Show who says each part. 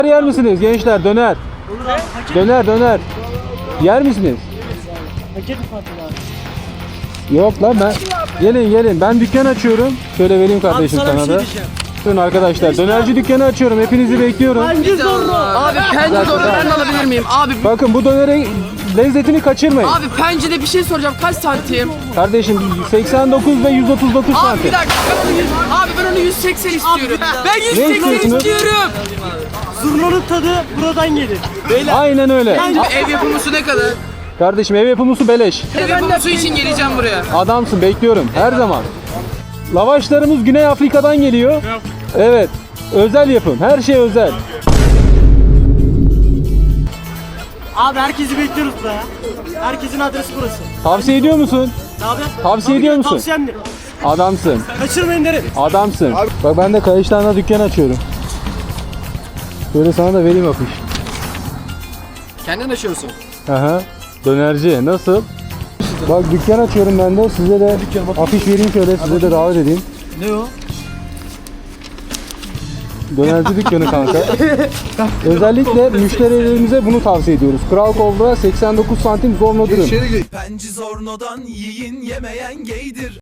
Speaker 1: Yer misiniz gençler? Döner.
Speaker 2: Olur abi. Paket,
Speaker 1: Döner. Yer misiniz?
Speaker 2: paket mi patladı abi?
Speaker 1: Yok lan ben. Gelin. Ben dükkan açıyorum. Şöyle vereyim
Speaker 2: Abi
Speaker 1: kardeşim
Speaker 2: sana bir
Speaker 1: sana
Speaker 2: şey
Speaker 1: da.
Speaker 2: diyeceğim.
Speaker 1: Durun arkadaşlar. Dönerci dükkanı açıyorum. Hepinizi bekliyorum.
Speaker 2: Bence zorlu.
Speaker 3: Abi pence doğru ben de alabilir miyim? Abi
Speaker 1: Bakın bu dönerin lezzetini kaçırmayın.
Speaker 3: abi pencede bir şey soracağım. Kaç santim?
Speaker 1: Kardeşim 89 ve 139
Speaker 3: Abi
Speaker 1: santim.
Speaker 3: bir dakika. Ben onu 180 istiyorum. Ben 180
Speaker 1: istiyorsunuz?
Speaker 3: istiyorum.
Speaker 2: Zurnanın tadı buradan gelir.
Speaker 1: Aynen öyle.
Speaker 3: Abi ev yapımısı ne kadar?
Speaker 1: Kardeşim ev yapımı beleş.
Speaker 3: Ev yapımı için geleceğim buraya.
Speaker 1: Adamsın, bekliyorum her zaman. Lavaşlarımız Güney Afrika'dan geliyor. Evet. Özel yapım. Her şey özel.
Speaker 2: Abi herkesi bekliyoruz burada ya. Herkesin adresi burası.
Speaker 1: Tavsiye ediyor musun?
Speaker 2: Ne abi?
Speaker 1: Tavsiye ediyor musun?
Speaker 2: Tavsiyemdir.
Speaker 1: Adamsın.
Speaker 2: Kaçırmayın derim.
Speaker 1: Adamsın. Bak ben de Kayışlar'da dükkan açıyorum. Böyle sana da vereyim afiş.
Speaker 3: Kendin açıyorsun.
Speaker 1: Aha. Dönerci. Nasıl? Bak dükkan açıyorum ben de. Size de afiş vereyim şöyle. Size de davet edeyim.
Speaker 2: Ne o?
Speaker 1: Dönerci dükkanı kanka. Özellikle müşterilerimize bunu tavsiye ediyoruz. Kral Kobra 89 santim Zorno dürüm.
Speaker 4: Penci zornodan yiyin yemeyen geydir.